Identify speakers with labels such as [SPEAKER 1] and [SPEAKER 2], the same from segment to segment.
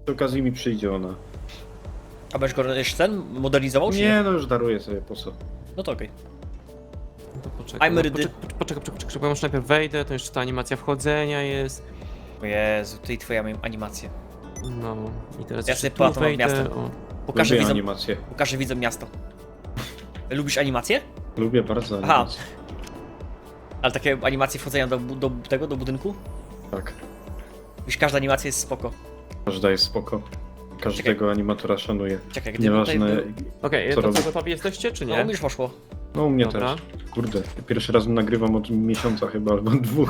[SPEAKER 1] Przy okazji mi przyjdzie ona.
[SPEAKER 2] A będziesz go jeszcze ten modernizował, czy
[SPEAKER 1] Nie, no już daruję sobie, po co?
[SPEAKER 2] No to okej.
[SPEAKER 3] No to poczekaj,
[SPEAKER 2] I'm
[SPEAKER 3] no,
[SPEAKER 2] ready.
[SPEAKER 3] poczekaj, bo już najpierw wejdę, to jeszcze ta animacja wchodzenia jest.
[SPEAKER 2] O Jezu, ty i twoja animacje.
[SPEAKER 3] No i teraz
[SPEAKER 2] Ja
[SPEAKER 3] jeszcze
[SPEAKER 2] sobie
[SPEAKER 3] tu
[SPEAKER 2] połatam
[SPEAKER 3] wejdę.
[SPEAKER 2] miastem.
[SPEAKER 3] O.
[SPEAKER 2] Pokażę
[SPEAKER 1] Lubię
[SPEAKER 2] widzom,
[SPEAKER 1] animację.
[SPEAKER 2] pokażę widzom miasto. Lubisz animacje?
[SPEAKER 1] Lubię bardzo
[SPEAKER 2] Aha.
[SPEAKER 1] animację.
[SPEAKER 2] Ale takie animacje wchodzenia do budynku?
[SPEAKER 1] Tak.
[SPEAKER 2] Wiesz, każda animacja jest spoko.
[SPEAKER 1] Każda jest spoko. Każdego animatora szanuję.
[SPEAKER 2] Czekaj, gdyby tutaj
[SPEAKER 1] Nieważne.
[SPEAKER 2] był...
[SPEAKER 3] Okej,
[SPEAKER 1] Co
[SPEAKER 3] to
[SPEAKER 1] robi?
[SPEAKER 3] co, gotowi jesteście, czy
[SPEAKER 2] No,
[SPEAKER 3] nie?
[SPEAKER 2] mi już poszło.
[SPEAKER 1] No u mnie
[SPEAKER 3] Dobra.
[SPEAKER 1] też. Kurde, pierwszy raz nagrywam od miesiąca chyba, albo 2.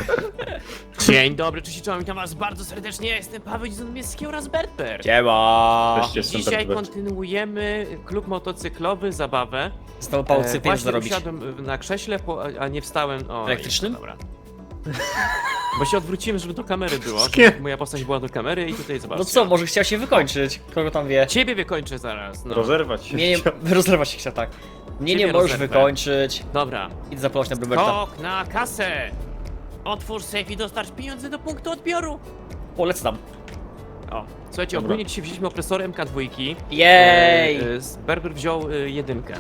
[SPEAKER 3] Dzień dobry, cześć, czołem, witam was bardzo serdecznie, ja jestem Paweł Zizunowski oraz Berber.
[SPEAKER 2] Siema!
[SPEAKER 1] Cześć, jestem
[SPEAKER 3] Dzisiaj
[SPEAKER 1] Berber.
[SPEAKER 3] kontynuujemy klub motocyklowy, zabawę.
[SPEAKER 2] Znowu Paweł chce pieniądze
[SPEAKER 3] Właśnie
[SPEAKER 2] zarobić.
[SPEAKER 3] usiadłem na krześle, a nie wstałem. O,
[SPEAKER 2] Elektrycznym?
[SPEAKER 3] Dobra. Bo się odwróciłem, żeby do kamery było.
[SPEAKER 1] Wszystkie.
[SPEAKER 3] Żeby moja postać była do kamery i tutaj zobaczcie.
[SPEAKER 2] No co, może chciał się wykończyć? Kogo tam wie?
[SPEAKER 3] Ciebie wykończę zaraz, no.
[SPEAKER 1] Rozerwać się
[SPEAKER 2] Mnie nie...
[SPEAKER 1] chciał.
[SPEAKER 2] Rozlewać się chciał, tak. Mnie nie
[SPEAKER 3] Ciebie
[SPEAKER 2] możesz
[SPEAKER 3] rozerwę.
[SPEAKER 2] wykończyć.
[SPEAKER 3] Dobra.
[SPEAKER 2] Idź zapłać na Bruberta.
[SPEAKER 3] Skok na kasę! Otwórz safe i dostarcz pieniądze do punktu odbioru!
[SPEAKER 2] Polecę tam.
[SPEAKER 3] O, słuchajcie,
[SPEAKER 1] Dobra.
[SPEAKER 3] ogólnie dzisiaj wzięliśmy opresor MK2.
[SPEAKER 2] Jej!
[SPEAKER 3] Berber wziął jedynkę.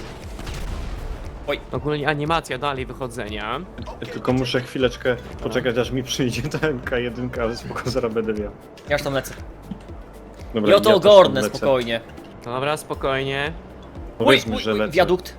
[SPEAKER 2] Oj.
[SPEAKER 3] Ogólnie animacja dalej wychodzenia.
[SPEAKER 1] Tylko muszę chwileczkę poczekać, aż mi przyjdzie ta MK1, ale spoko, zaraz będę miał.
[SPEAKER 2] Ja już tam lecę.
[SPEAKER 1] Dobra,
[SPEAKER 2] I oto
[SPEAKER 1] też
[SPEAKER 2] ogarnę
[SPEAKER 1] tam lecę.
[SPEAKER 2] spokojnie.
[SPEAKER 3] Dobra, spokojnie.
[SPEAKER 1] Powiedzmy, że lecę.
[SPEAKER 2] wiadukt.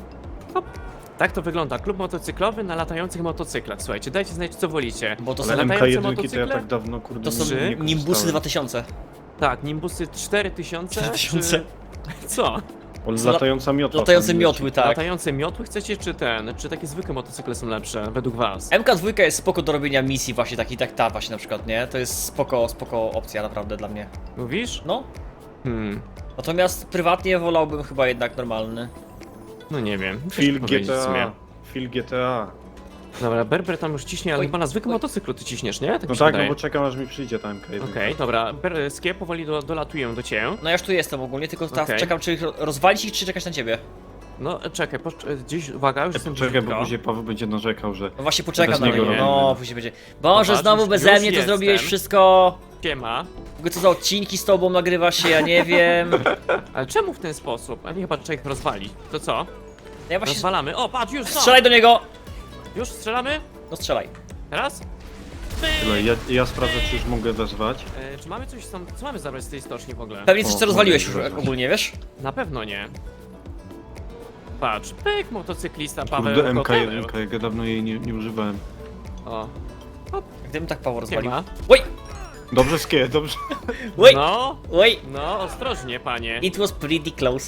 [SPEAKER 3] Tak to wygląda. Klub motocyklowy na latających motocyklach. Słuchajcie, dajcie znać, co wolicie.
[SPEAKER 2] Bo to
[SPEAKER 1] Ale
[SPEAKER 2] są,
[SPEAKER 3] latające
[SPEAKER 1] MK1 to ja
[SPEAKER 3] motocykle?
[SPEAKER 1] tak dawno, kurde,
[SPEAKER 2] to są
[SPEAKER 3] Trzy?
[SPEAKER 1] nie
[SPEAKER 2] Nimbusy
[SPEAKER 1] korzystałem.
[SPEAKER 2] 2000.
[SPEAKER 3] Tak, Nimbusy 4000.
[SPEAKER 2] 4000.
[SPEAKER 3] Czy... Co?
[SPEAKER 1] O, latająca miotła.
[SPEAKER 2] Latające
[SPEAKER 1] tam
[SPEAKER 2] miotły,
[SPEAKER 1] leci.
[SPEAKER 2] tak.
[SPEAKER 3] Latające miotły chcecie, czy ten? Czy takie zwykłe motocykle są lepsze, według was?
[SPEAKER 2] MK2 jest spoko do robienia misji właśnie takich, tak ta właśnie na przykład, nie? To jest spoko opcja naprawdę dla mnie.
[SPEAKER 3] Mówisz?
[SPEAKER 2] No.
[SPEAKER 3] Natomiast
[SPEAKER 2] Prywatnie wolałbym chyba jednak normalny.
[SPEAKER 3] no nie wiem.
[SPEAKER 1] Phil
[SPEAKER 3] Ciężko powiedzieć w sumie.
[SPEAKER 1] GTA. Phil GTA.
[SPEAKER 3] Dobra, Berber tam już ciśnie, ale
[SPEAKER 2] Oj,
[SPEAKER 3] chyba na zwykłym
[SPEAKER 2] oj.
[SPEAKER 3] motocyklu ty ciśniesz, nie? Tak
[SPEAKER 1] No
[SPEAKER 3] mi się
[SPEAKER 1] tak, no
[SPEAKER 3] wydaje.
[SPEAKER 1] bo czekam, aż mi przyjdzie ta MK1.
[SPEAKER 3] Okej, dobra. Skie powoli dolatuję do ciebie.
[SPEAKER 2] No ja już tu jestem ogólnie, tylko teraz
[SPEAKER 3] Okej.
[SPEAKER 2] czekam, czy rozwalić ich, czy czekać na ciebie.
[SPEAKER 3] No czekaj, gdzieś, uwaga, już jestem
[SPEAKER 1] Czekaj, bo
[SPEAKER 3] blisko.
[SPEAKER 1] później Paweł będzie narzekał, że...
[SPEAKER 2] No właśnie poczekam
[SPEAKER 1] Bez
[SPEAKER 2] na
[SPEAKER 1] niego
[SPEAKER 2] niego.
[SPEAKER 1] robimy.
[SPEAKER 2] No, później będzie. Boże,
[SPEAKER 3] Zobacz,
[SPEAKER 2] znowu
[SPEAKER 3] już-
[SPEAKER 2] beze
[SPEAKER 3] już
[SPEAKER 2] mnie to
[SPEAKER 3] jestem.
[SPEAKER 2] zrobiłeś wszystko.
[SPEAKER 3] Siema.
[SPEAKER 2] W ogóle co za odcinki z tobą nagrywa się, ja nie wiem.
[SPEAKER 3] Ale czemu w ten sposób? A nie chyba trzeba ich rozwalić. To co?
[SPEAKER 2] Ja właśnie...
[SPEAKER 3] Rozwalamy. O, patrz, już są!
[SPEAKER 2] Strzelaj do niego!
[SPEAKER 3] Już strzelamy?
[SPEAKER 2] No strzelaj.
[SPEAKER 3] Teraz?
[SPEAKER 1] Tyle, ja sprawdzę, czy już mogę wezwać.
[SPEAKER 3] Czy mamy coś tam, co mamy zabrać z tej stoczni w ogóle?
[SPEAKER 2] Pewnie coś
[SPEAKER 1] O,
[SPEAKER 2] co rozwaliłeś już
[SPEAKER 1] mogę wezwać.
[SPEAKER 2] ogólnie, wiesz?
[SPEAKER 3] Na pewno nie. Patrz, pyk, motocyklista Paweł
[SPEAKER 1] Kurde,
[SPEAKER 3] gotowy.
[SPEAKER 1] MK1, jak ja dawno jej nie używałem.
[SPEAKER 3] O,
[SPEAKER 2] Gdybym tak Paweł rozwalił.
[SPEAKER 3] siema.
[SPEAKER 2] Oj!
[SPEAKER 1] Dobrze, Skie, dobrze.
[SPEAKER 2] Oj!
[SPEAKER 3] No,
[SPEAKER 2] Oj!
[SPEAKER 3] no, ostrożnie, panie.
[SPEAKER 2] It was pretty close.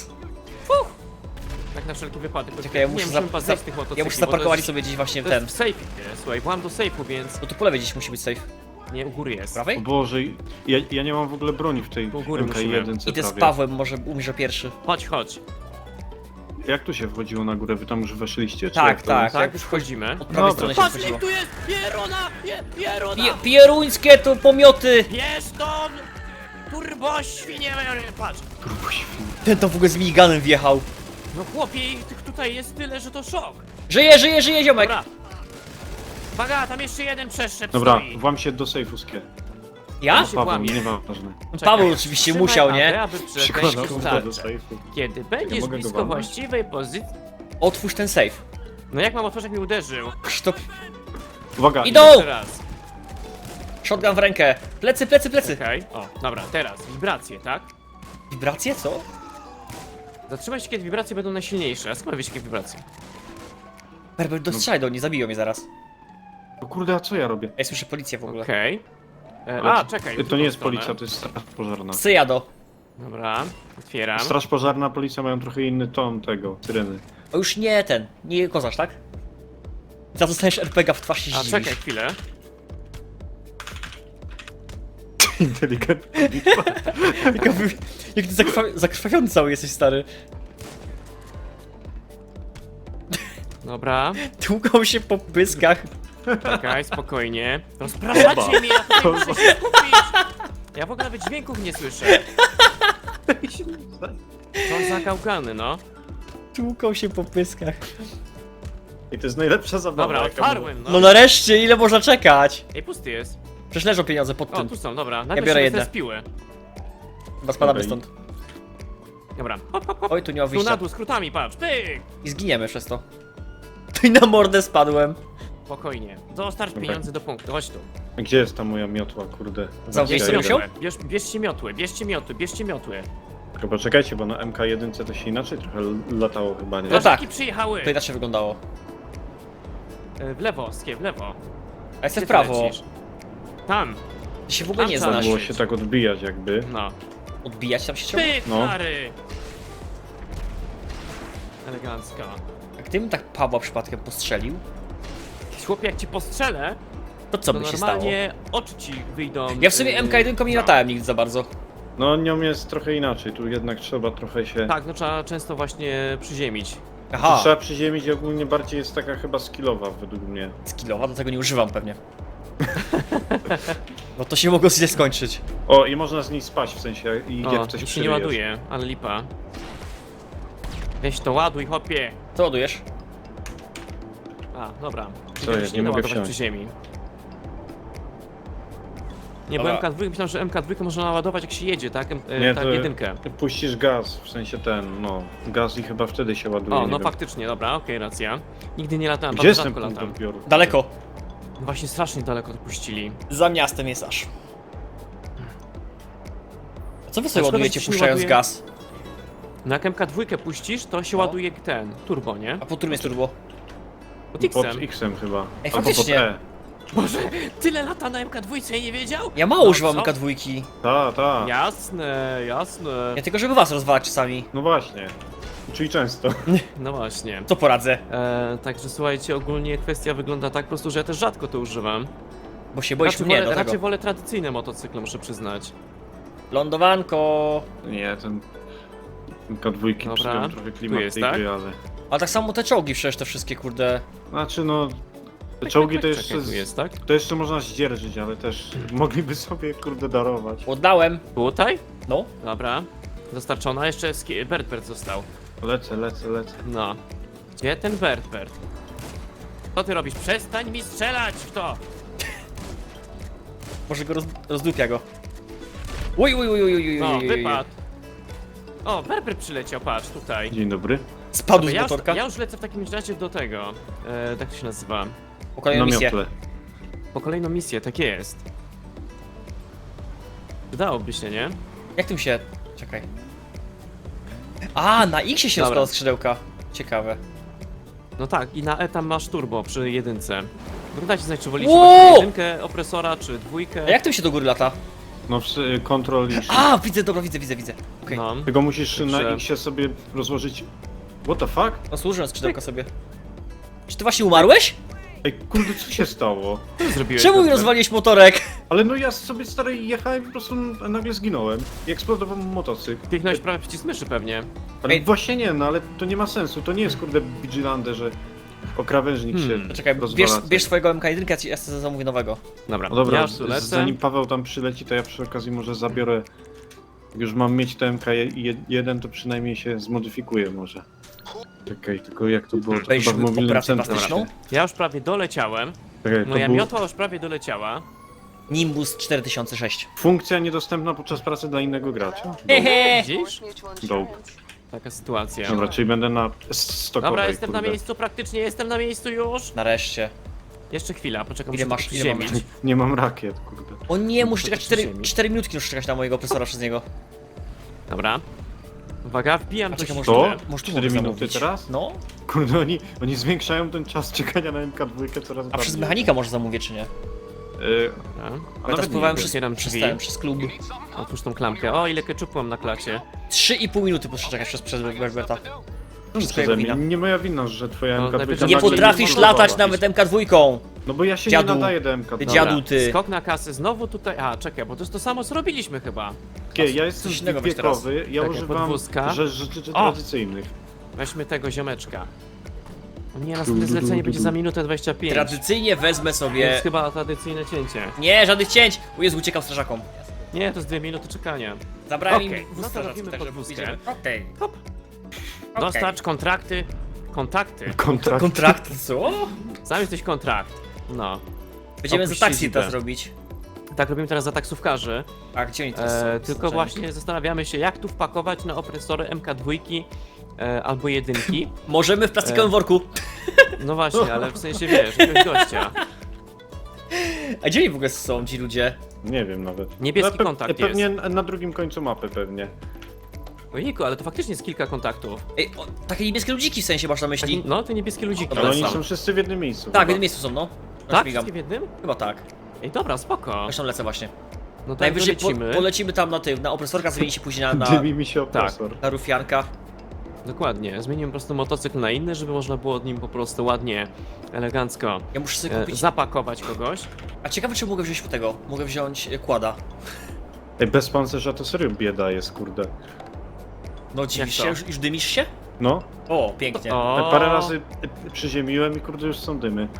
[SPEAKER 3] Tak na wszelki wypadek.
[SPEAKER 2] Czekaj, ja
[SPEAKER 3] Nie
[SPEAKER 2] muszę,
[SPEAKER 3] musimy chyba zejść z tych motocykli,
[SPEAKER 2] ja muszę
[SPEAKER 3] bo to
[SPEAKER 2] zaparkować
[SPEAKER 3] jest-
[SPEAKER 2] sobie gdzieś właśnie
[SPEAKER 3] To
[SPEAKER 2] ten.
[SPEAKER 3] jest w safe, słuchaj, byłam do safe'u, więc
[SPEAKER 2] No tu po lewej gdzieś musi być safe.
[SPEAKER 3] nie, u góry jest.
[SPEAKER 1] O
[SPEAKER 2] Prawej?
[SPEAKER 1] Boże, ja nie mam w ogóle broni w tej
[SPEAKER 3] Do góry
[SPEAKER 1] MK1
[SPEAKER 2] Idę z
[SPEAKER 1] prawie.
[SPEAKER 2] Pawłem, może umrze pierwszy.
[SPEAKER 3] Chodź, chodź.
[SPEAKER 1] Jak tu się wchodziło na górę? Wy tam już weszliście? Czy
[SPEAKER 2] Tak,
[SPEAKER 1] jak to
[SPEAKER 2] tak.
[SPEAKER 1] jest?
[SPEAKER 3] Tak, już wchodzimy.
[SPEAKER 2] Od prawej
[SPEAKER 1] Dobra.
[SPEAKER 2] strony się
[SPEAKER 3] Patrz,
[SPEAKER 2] wchodziło.
[SPEAKER 3] jak tu jest! Pierona! Pierona!
[SPEAKER 2] Pieruńskie to pomioty!
[SPEAKER 3] Bierz tą! Turbo świnie! Patrz!
[SPEAKER 1] Turbo świn.
[SPEAKER 2] Ten tam w ogóle z miniganem wjechał.
[SPEAKER 3] No chłopie, tych tutaj jest tyle, że to szok.
[SPEAKER 2] Żyje, żyje, żyje ziomek!
[SPEAKER 3] Dobra. Uwaga, tam jeszcze jeden przeszczep
[SPEAKER 1] Dobra,
[SPEAKER 3] stoi.
[SPEAKER 1] włam się do sejfu, Skie.
[SPEAKER 2] Ja?
[SPEAKER 3] się
[SPEAKER 1] Paweł,
[SPEAKER 3] włamie.
[SPEAKER 1] nieważne.
[SPEAKER 3] Czekaj.
[SPEAKER 2] Paweł oczywiście
[SPEAKER 3] Trzymaj
[SPEAKER 2] musiał,
[SPEAKER 3] AB,
[SPEAKER 2] nie?
[SPEAKER 3] aby przejść
[SPEAKER 1] Przykładam do
[SPEAKER 3] tarczę.
[SPEAKER 1] sejfu.
[SPEAKER 3] Kiedy będziesz
[SPEAKER 1] mogę go
[SPEAKER 3] blisko
[SPEAKER 1] walnąć?
[SPEAKER 3] właściwej pozycji...
[SPEAKER 2] Otwórz ten safe.
[SPEAKER 3] No jak mam otworzyć, jak mi uderzył?
[SPEAKER 2] Sztop.
[SPEAKER 1] Uwaga,
[SPEAKER 2] Idą!
[SPEAKER 3] Jeszcze raz.
[SPEAKER 2] Shotgun w rękę. Plecy, plecy, plecy.
[SPEAKER 3] Czekaj. O, dobra, teraz. Wibracje, tak?
[SPEAKER 2] Wibracje, co?
[SPEAKER 3] Zatrzymaj się, kiedy wibracje będą najsilniejsze. A skąd wiecie, jakie wibracje?
[SPEAKER 2] Berber, dostrzelaj do niej, zabiją mnie zaraz.
[SPEAKER 1] O kurde, a co ja robię?
[SPEAKER 2] Ja słyszę policję w ogóle.
[SPEAKER 3] Okej.
[SPEAKER 1] Ale
[SPEAKER 3] A, czekaj. w
[SPEAKER 1] To
[SPEAKER 3] drugą
[SPEAKER 1] nie jest
[SPEAKER 3] stronę.
[SPEAKER 1] policja, to jest straż pożarna.
[SPEAKER 2] Syjado.
[SPEAKER 3] Dobra, otwieram.
[SPEAKER 1] Straż pożarna, policja mają trochę inny ton tego, syreny.
[SPEAKER 2] O już nie ten, nie kozasz, tak? Za to dostaniesz RPG w twarz i się
[SPEAKER 3] A,
[SPEAKER 2] zdziwisz.
[SPEAKER 3] czekaj chwilę.
[SPEAKER 1] Inteligentny.
[SPEAKER 2] Jak ty zakrwawiony cały jesteś, stary.
[SPEAKER 3] Dobra,
[SPEAKER 2] Tłukał się po pyskach.
[SPEAKER 3] czekaj, spokojnie. Rozpraszacie mnie, ja tutaj muszę się skupić! Ja w ogóle nawet dźwięków nie słyszę. Co za gałgany, no.
[SPEAKER 2] Tłukał się po pyskach.
[SPEAKER 1] I to jest najlepsza zabawa.
[SPEAKER 3] Dobra,
[SPEAKER 1] jaka była.
[SPEAKER 3] otwarłem,
[SPEAKER 2] No
[SPEAKER 3] no.
[SPEAKER 2] nareszcie, ile można czekać?
[SPEAKER 3] Ej, pusty jest.
[SPEAKER 2] Przecież leżą pieniądze pod
[SPEAKER 3] O,
[SPEAKER 2] tym.
[SPEAKER 3] tu są, dobra.
[SPEAKER 2] Ja
[SPEAKER 3] Najpierw
[SPEAKER 2] biorę
[SPEAKER 3] sobie
[SPEAKER 2] jedne.
[SPEAKER 3] z piły.
[SPEAKER 2] Chyba spadamy
[SPEAKER 1] Okej.
[SPEAKER 2] stąd.
[SPEAKER 3] Dobra, hop, hop, hop.
[SPEAKER 2] Oj, tu nie ma
[SPEAKER 3] Tu na
[SPEAKER 2] wyjścia.
[SPEAKER 3] dół, skrótami, patrz, pyk!
[SPEAKER 2] I zginiemy przez to. Tu i na mordę spadłem.
[SPEAKER 3] Spokojnie. Dostarcz
[SPEAKER 1] Dobra.
[SPEAKER 3] pieniądze do punktu, chodź tu.
[SPEAKER 1] Gdzie jest ta moja miotła, kurde?
[SPEAKER 2] Zamknij
[SPEAKER 3] Bierzcie
[SPEAKER 2] sobie wziął?
[SPEAKER 3] miotłę, bierzcie miotły, bierzcie miotły, bierzcie miotły.
[SPEAKER 1] Chyba czekajcie, bo na MK1 to się inaczej trochę latało chyba, nie?
[SPEAKER 2] No tak.
[SPEAKER 3] Strażaki przyjechały!
[SPEAKER 2] To inaczej wyglądało.
[SPEAKER 3] W lewo, Skie, w lewo.
[SPEAKER 2] A jestem
[SPEAKER 3] Gdzie
[SPEAKER 2] w
[SPEAKER 3] ty
[SPEAKER 2] prawo.
[SPEAKER 3] lecisz? Tam,
[SPEAKER 2] Ty się w ogóle nie
[SPEAKER 3] Tam, tam.
[SPEAKER 2] znasz.
[SPEAKER 1] Było się tak odbijać jakby.
[SPEAKER 3] no.
[SPEAKER 2] Odbijać tam się chciał?
[SPEAKER 3] Pyk,
[SPEAKER 1] No.
[SPEAKER 3] Mary! Elegancko.
[SPEAKER 2] A gdybym tak Pawła przypadkiem postrzelił,
[SPEAKER 3] Chłopie, jak ci postrzelę,
[SPEAKER 2] to co
[SPEAKER 3] to
[SPEAKER 2] by się stało?
[SPEAKER 3] normalnie oczy ci wyjdą.
[SPEAKER 2] Ja w sumie MK1 nie
[SPEAKER 3] no.
[SPEAKER 2] latałem nigdy za bardzo.
[SPEAKER 1] No nią jest trochę inaczej, tu jednak trzeba trochę się...
[SPEAKER 3] Tak, no trzeba często właśnie przyziemić.
[SPEAKER 2] Aha,
[SPEAKER 1] Trzeba przyziemić i ogólnie bardziej jest taka chyba skillowa według mnie.
[SPEAKER 2] skillowa, do tego nie używam pewnie. Bo to się mogło źle skończyć.
[SPEAKER 1] O, i można z niej spaść, w sensie i
[SPEAKER 3] O,
[SPEAKER 1] jak coś
[SPEAKER 3] i się nie
[SPEAKER 1] przeryjesz.
[SPEAKER 3] ładuje, ale lipa. Weź to ładuj, hopie.
[SPEAKER 2] Co ładujesz?
[SPEAKER 3] A, dobra.
[SPEAKER 1] Co jest? Nie mogę
[SPEAKER 3] ładować
[SPEAKER 1] wsiąść.
[SPEAKER 3] przy ziemi. Nie, bo
[SPEAKER 2] Dobra.
[SPEAKER 3] MK2, myślałem, że MK2 można naładować jak się jedzie, tak?
[SPEAKER 1] Nie,
[SPEAKER 3] Tak,
[SPEAKER 1] to
[SPEAKER 3] jedynkę.
[SPEAKER 1] puścisz gaz, w sensie ten, no, gaz i chyba wtedy się ładuje,
[SPEAKER 3] O,
[SPEAKER 1] nie
[SPEAKER 3] no
[SPEAKER 1] wiem.
[SPEAKER 3] faktycznie, dobra, okej, racja. Nigdy nie latałem,
[SPEAKER 1] Gdzie jest
[SPEAKER 3] bardzo
[SPEAKER 1] ten
[SPEAKER 3] rzadko
[SPEAKER 1] punkt
[SPEAKER 3] latam.
[SPEAKER 1] odbioru?
[SPEAKER 2] Daleko.
[SPEAKER 3] No właśnie strasznie daleko to puścili.
[SPEAKER 2] Za miastem jest aż. A co wy sobie
[SPEAKER 3] szkoda,
[SPEAKER 2] ładujecie
[SPEAKER 3] że się nie
[SPEAKER 2] puszczając
[SPEAKER 3] ładuje.
[SPEAKER 2] gaz?
[SPEAKER 3] No jak MK2 puścisz, to się
[SPEAKER 2] No.
[SPEAKER 3] ładuje ten, turbo, nie?
[SPEAKER 2] A po którym jest turbo?
[SPEAKER 3] Pod
[SPEAKER 1] Pod
[SPEAKER 3] X-em.
[SPEAKER 1] X-em chyba.
[SPEAKER 2] Ej,
[SPEAKER 1] Albo pod
[SPEAKER 2] faktycznie.
[SPEAKER 1] E.
[SPEAKER 3] Boże, tyle lata na MK2 i nie wiedział?
[SPEAKER 2] Ja mało
[SPEAKER 3] No,
[SPEAKER 2] używam
[SPEAKER 3] co?
[SPEAKER 2] MK2.
[SPEAKER 1] Ta.
[SPEAKER 3] Jasne, jasne.
[SPEAKER 2] Ja tylko żeby was rozwalać czasami.
[SPEAKER 1] No właśnie. Czyli często.
[SPEAKER 3] No właśnie.
[SPEAKER 2] Co poradzę?
[SPEAKER 3] Także słuchajcie, ogólnie kwestia wygląda tak po prostu, że ja też rzadko to używam.
[SPEAKER 2] Bo się boisz
[SPEAKER 3] Raczej
[SPEAKER 2] mnie
[SPEAKER 3] wolę,
[SPEAKER 2] do
[SPEAKER 3] raczej
[SPEAKER 2] tego.
[SPEAKER 3] wolę tradycyjne motocykle, muszę przyznać.
[SPEAKER 2] Lądowanko.
[SPEAKER 1] Nie, ten... MK2
[SPEAKER 3] Dobra,
[SPEAKER 1] psują trochę klimat
[SPEAKER 3] jest,
[SPEAKER 1] tej
[SPEAKER 3] tak?
[SPEAKER 1] gry, ale...
[SPEAKER 2] A tak samo te czołgi przecież te wszystkie kurde.
[SPEAKER 1] Znaczy no... Te czołgi to jeszcze...
[SPEAKER 3] Czekaj, tu jest, tak?
[SPEAKER 1] To jeszcze można zdzierżyć, ale też mogliby sobie kurde darować.
[SPEAKER 2] Oddałem.
[SPEAKER 3] Tutaj?
[SPEAKER 2] No.
[SPEAKER 3] Dobra. Dostarczona, jeszcze Bert został.
[SPEAKER 1] Lecę.
[SPEAKER 3] No. Gdzie ten Bert? Co ty robisz? Przestań mi strzelać w to!
[SPEAKER 2] Może go rozdupia go. Uj.
[SPEAKER 3] No, wypadł. O, Bert przyleciał, patrz, tutaj.
[SPEAKER 1] Dzień dobry.
[SPEAKER 2] Spadł z
[SPEAKER 3] ja,
[SPEAKER 2] motorka.
[SPEAKER 3] ja już lecę w takim razie do tego. Tak to się nazywa.
[SPEAKER 2] Po kolejną
[SPEAKER 1] Na
[SPEAKER 2] misję.
[SPEAKER 1] miotle.
[SPEAKER 3] Po kolejną misję, tak jest. Wydałoby się, nie?
[SPEAKER 2] Jak tym się... Czekaj. A, na X się
[SPEAKER 3] Dobra.
[SPEAKER 2] rozkłada skrzydełka. Ciekawe.
[SPEAKER 3] No tak, i na E tam masz turbo przy jedynce. Dajcie znać, czy wolicie
[SPEAKER 2] Wow!
[SPEAKER 3] właśnie jedynkę opresora, czy dwójkę.
[SPEAKER 2] A jak tym się do góry lata?
[SPEAKER 1] No kontrol i...
[SPEAKER 2] A, widzę, dobra, widzę. Okej.
[SPEAKER 3] No.
[SPEAKER 1] Tylko musisz na
[SPEAKER 3] Dobrze.
[SPEAKER 1] X sobie rozłożyć... What the fuck?
[SPEAKER 2] No służyłem skrzydełka sobie. Czy ty właśnie umarłeś?
[SPEAKER 1] Ej, kurde, co się stało?
[SPEAKER 3] Co zrobiłeś?
[SPEAKER 2] Czemu mi
[SPEAKER 3] Berber?
[SPEAKER 2] rozwaliłeś motorek?
[SPEAKER 1] Ale no ja sobie stary jechałem i po prostu nagle zginąłem. I eksplodował motocykl.
[SPEAKER 3] Kliknąłeś prawie przycisk myszy pewnie.
[SPEAKER 1] Ale
[SPEAKER 2] Ej.
[SPEAKER 1] właśnie nie, no ale to nie ma sensu. To nie jest kurde Vigilante, że o krawężnik się
[SPEAKER 2] Czekaj,
[SPEAKER 1] rozwala.
[SPEAKER 2] bierz swojego MK1, ja sobie zamówię nowego.
[SPEAKER 3] Dobra,
[SPEAKER 1] No dobra,
[SPEAKER 3] ja już tu lecę.
[SPEAKER 1] zanim Paweł tam przyleci, to ja przy okazji może zabiorę... Jak już mam mieć to MK1, to przynajmniej się zmodyfikuję może. Czekaj, tylko jak to było? To
[SPEAKER 2] Weźmy
[SPEAKER 1] chyba w mobilnym
[SPEAKER 2] operację
[SPEAKER 1] centrum.
[SPEAKER 2] plastyczną?
[SPEAKER 3] Ja już prawie doleciałem.
[SPEAKER 1] Czekaj, to
[SPEAKER 3] Moja
[SPEAKER 1] był...
[SPEAKER 3] miotła już prawie doleciała.
[SPEAKER 2] Nimbus 4006.
[SPEAKER 1] Funkcja niedostępna podczas pracy dla innego gracza.
[SPEAKER 2] Hehe!
[SPEAKER 3] Widzisz?
[SPEAKER 1] Dope.
[SPEAKER 3] Taka sytuacja.
[SPEAKER 1] Dobra, czyli będę na stokowej,
[SPEAKER 3] Dobra, jestem na
[SPEAKER 1] kurde.
[SPEAKER 3] miejscu, praktycznie jestem na miejscu już.
[SPEAKER 2] Nareszcie.
[SPEAKER 3] Jeszcze chwila, poczekam,
[SPEAKER 2] Ile
[SPEAKER 3] muszę
[SPEAKER 2] masz-
[SPEAKER 3] to
[SPEAKER 2] ile mam
[SPEAKER 3] przyziemić.
[SPEAKER 1] Nie mam rakiet, kurde.
[SPEAKER 2] O nie, muszę
[SPEAKER 3] To
[SPEAKER 2] czekać
[SPEAKER 3] przy
[SPEAKER 2] 4
[SPEAKER 3] ziemi.
[SPEAKER 2] minutki, muszę czekać na mojego opresora przez niego.
[SPEAKER 3] Dobra. Uwaga, wbijam
[SPEAKER 2] A
[SPEAKER 3] do
[SPEAKER 2] czekaj, może
[SPEAKER 1] To?
[SPEAKER 3] siły.
[SPEAKER 2] Może tu
[SPEAKER 1] 4
[SPEAKER 2] mogę
[SPEAKER 1] minuty
[SPEAKER 2] zamówić.
[SPEAKER 1] teraz?
[SPEAKER 2] No,
[SPEAKER 1] Kurde, oni zwiększają ten czas czekania na MK2 coraz
[SPEAKER 2] a
[SPEAKER 1] bardziej.
[SPEAKER 2] przez mechanika może zamówię, czy nie?
[SPEAKER 3] Dobra.
[SPEAKER 1] A
[SPEAKER 2] Ja
[SPEAKER 1] nawet
[SPEAKER 2] teraz pływałem
[SPEAKER 1] nie,
[SPEAKER 3] otwieram
[SPEAKER 2] przez
[SPEAKER 3] drzwi.
[SPEAKER 2] ten, przez klub.
[SPEAKER 3] Otwórz tą klamkę. O, ile keczupu mam na klacie.
[SPEAKER 2] 3,5 minuty muszę czekać przez Berberta. Wszystko
[SPEAKER 1] przeze
[SPEAKER 2] jego
[SPEAKER 1] mnie.
[SPEAKER 2] wina.
[SPEAKER 1] Nie moja wina, że twoja
[SPEAKER 3] No,
[SPEAKER 1] MK2
[SPEAKER 3] najpierw
[SPEAKER 2] Nie
[SPEAKER 3] nagle
[SPEAKER 2] potrafisz
[SPEAKER 3] zmontowała.
[SPEAKER 2] latać nawet MK2!
[SPEAKER 1] No bo ja się
[SPEAKER 2] Dziadu.
[SPEAKER 1] nie nadaję do MK2.
[SPEAKER 2] Ty dziadu, ty.
[SPEAKER 3] Skok na kasę, znowu tutaj. A, czekaj, bo to jest to samo co robiliśmy chyba.
[SPEAKER 1] Ja jestem
[SPEAKER 2] Coś innego weź teraz.
[SPEAKER 1] wiekowy, ja
[SPEAKER 3] Czekaj,
[SPEAKER 1] używam
[SPEAKER 3] podwózka.
[SPEAKER 1] rzeczy
[SPEAKER 3] O!
[SPEAKER 1] tradycyjnych.
[SPEAKER 3] Weźmy tego ziomeczka. O nie, następne zlecenie będzie za minutę 25.
[SPEAKER 2] Tradycyjnie wezmę
[SPEAKER 3] Więc
[SPEAKER 2] sobie...
[SPEAKER 3] chyba tradycyjne cięcie.
[SPEAKER 2] Nie, żadnych cięć! O Jezu, uciekam strażakom.
[SPEAKER 3] Nie, to jest 2 minuty czekania.
[SPEAKER 2] Zabrałem
[SPEAKER 3] Okej,
[SPEAKER 2] im
[SPEAKER 3] no
[SPEAKER 2] wóz
[SPEAKER 3] to
[SPEAKER 2] strażacki,
[SPEAKER 3] robimy
[SPEAKER 2] także
[SPEAKER 3] podwózkę.
[SPEAKER 2] idziemy. Okej.
[SPEAKER 3] Hop.
[SPEAKER 2] Okej.
[SPEAKER 3] Dostarcz kontrakty. Kontakty.
[SPEAKER 1] Kontrakt.
[SPEAKER 2] Kontrakt, co?
[SPEAKER 3] Sam jesteś kontrakt. No.
[SPEAKER 2] Będziemy za
[SPEAKER 3] Opuść
[SPEAKER 2] taksi
[SPEAKER 3] siedzibę.
[SPEAKER 2] teraz robić.
[SPEAKER 3] Tak robimy teraz za taksówkarzy.
[SPEAKER 2] A gdzie oni teraz są?
[SPEAKER 3] Tylko
[SPEAKER 2] Znaczenie.
[SPEAKER 3] właśnie zastanawiamy się, jak tu wpakować na opresory MK2 albo jedynki.
[SPEAKER 2] Możemy w plastikowym worku.
[SPEAKER 3] No właśnie, ale w sensie wiesz, jakiegoś gościa.
[SPEAKER 2] A gdzie oni w ogóle są ci ludzie?
[SPEAKER 1] Nie wiem nawet.
[SPEAKER 3] Niebieski
[SPEAKER 1] No,
[SPEAKER 3] kontakt
[SPEAKER 1] pewnie na drugim końcu mapy pewnie.
[SPEAKER 3] Ojejku, ale to faktycznie jest kilka kontaktów.
[SPEAKER 2] Ej, takie niebieskie ludziki w sensie masz na myśli?
[SPEAKER 3] No, te niebieskie ludziki.
[SPEAKER 2] Dobra,
[SPEAKER 1] Ale oni
[SPEAKER 3] są.
[SPEAKER 1] są wszyscy w jednym miejscu.
[SPEAKER 2] Tak, w
[SPEAKER 1] chyba.
[SPEAKER 2] jednym miejscu są, no.
[SPEAKER 3] Tak?
[SPEAKER 2] Śmigam.
[SPEAKER 3] Wszystkie w jednym?
[SPEAKER 2] Chyba tak.
[SPEAKER 3] Ej, dobra, spoko.
[SPEAKER 2] Zresztą lecę właśnie.
[SPEAKER 3] No to
[SPEAKER 2] Najwyżej
[SPEAKER 3] lecimy.
[SPEAKER 2] polecimy tam na tym, na opresorka, zmieni się później
[SPEAKER 1] Dymi mi się opresor.
[SPEAKER 2] na rufianka.
[SPEAKER 3] Dokładnie, zmienimy po prostu motocykl na inny, żeby można było nim po prostu ładnie, elegancko
[SPEAKER 2] Ja muszę sobie kupić...
[SPEAKER 3] zapakować kogoś.
[SPEAKER 2] A ciekawe, czy mogę wziąć tego? Mogę wziąć kłada.
[SPEAKER 1] Ej, bez pancerza to serio bieda jest, kurde.
[SPEAKER 2] No dziwisz
[SPEAKER 3] to?
[SPEAKER 2] się? Już dymisz się?
[SPEAKER 1] No,
[SPEAKER 2] O, pięknie.
[SPEAKER 3] O,
[SPEAKER 1] parę razy przyziemiłem i kurde już są dymy.